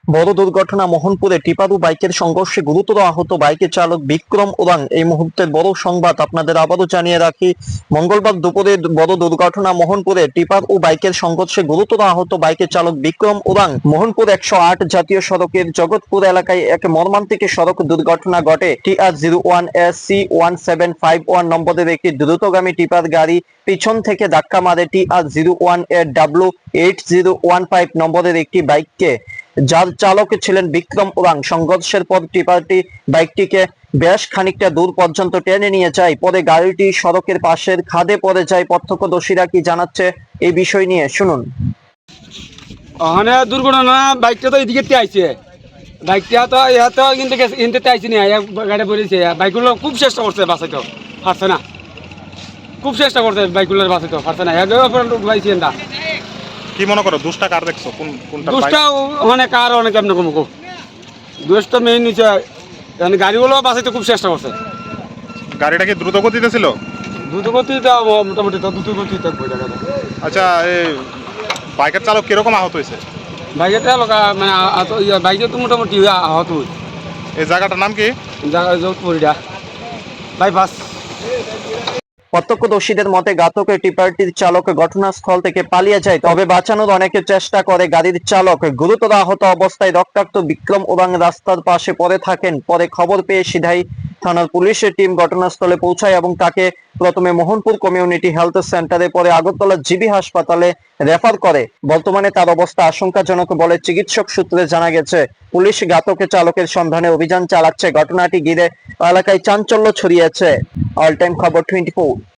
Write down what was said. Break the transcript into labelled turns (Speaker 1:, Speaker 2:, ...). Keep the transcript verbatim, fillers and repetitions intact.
Speaker 1: বড় দুর্ঘটনা মোহনপুরে টিপার ও বাইকের সংঘর্ষে গুরুতর আহত বাইকের চালক বিক্রম ওরাং। এই মুহূর্তের বড় সংবাদ আপনাদের আবারও জানিয়ে রাখি, মঙ্গলবার দুপুরে বড় দুর্ঘটনা মোহনপুরে টিপার ও বাইকের সংঘর্ষে গুরুতর আহত বাইকের চালক বিক্রম ওরাং। মোহনপুর একশো আট জাতীয় সড়কের জগৎপুর এলাকায় এক মর্মান্তিক সড়ক দুর্ঘটনা ঘটে। T R zero one S C one seven five one নম্বরের একটি দ্রুতগামী টিপার গাড়ি পিছন থেকে ধাক্কা মারে টি আর জিরো ওয়ান এর W eight zero one five নম্বরের একটি বাইককে, যার চালক ছিলেন বিক্রম ওরাং। সংঘর্ষের পর টিপারটি বাইকটিকে বেশ খানিকটা দূর পর্যন্ত টেনে নিয়ে যায়, পরে গাড়িটি সড়কের পাশের খাদে পড়ে যায়। প্রত্যক্ষদর্শীরা কি জানাচ্ছে এই বিষয় নিয়ে শুনুন।
Speaker 2: ওখানে দুর্ঘটনা বাইকটা তো এদিকে আইছে, বাইকটা তো ইহা তো কিন্তু ইনতে আইছে না, গাড়ি পড়েছে। বাইকগুলো খুব চেষ্টা করছে বাঁচাইতে, পারছে না। খুব চেষ্টা করছে বাইকগুলোর বাঁচাইতে, পারছে না। পাইছি না।
Speaker 3: কি মনে করো দুষ্টা কার দেখছো? কোন কোনটা?
Speaker 2: দুষ্টা ওখানে কার অনেক এমন কম দুষ্টা মেইন নিচে গাড়িগুলো বাঁচাইতে খুব চেষ্টা করছে।
Speaker 3: গাড়িটা কি দ্রুত গতিতে ছিল?
Speaker 2: দ্রুত গতিতে মোটামুটি তো দ্রুত গতিতে।
Speaker 3: আচ্ছা, এই বাইকের চালক কিরকম আহত হয়েছে?
Speaker 2: বাইকেটা মানে বাইকে তো মোটামুটি আহত হই।
Speaker 3: এই জায়গাটার নাম কি?
Speaker 2: জায়গা যোধপুরিটা বাইপাস।
Speaker 1: প্রত্যক্ষদর্শীদের মতে ঘাতকের টিপারটির চালক ঘটনাস্থল থেকে পালিয়ে যায়, তবে বাঁচানোর অনেকে চেষ্টা করে। গাড়ির চালক গুরুতর আহত অবস্থায় রক্তাক্ত বিক্রম ওরাং রাস্তার পাশে পড়ে থাকেন। পরে খবর পেয়ে সিধাই থানার পুলিশের টিম ঘটনাস্থলে পৌঁছায় এবং তাকে প্রথমে মোহনপুর কমিউনিটি হেলথ সেন্টারে, পরে আগরতলা জিবি হাসপাতালে রেফার করে। বর্তমানে তার অবস্থা আশঙ্কাজনক বলে চিকিৎসক সূত্রে জানা গেছে। পুলিশ ঘাতকের চালকের সন্ধানে অভিযান চালাচ্ছে। ঘটনাটি ঘিরে এলাকায় চাঞ্চল্য ছড়িয়েছে। অল টাইম খবর টোয়েন্টি ফোর।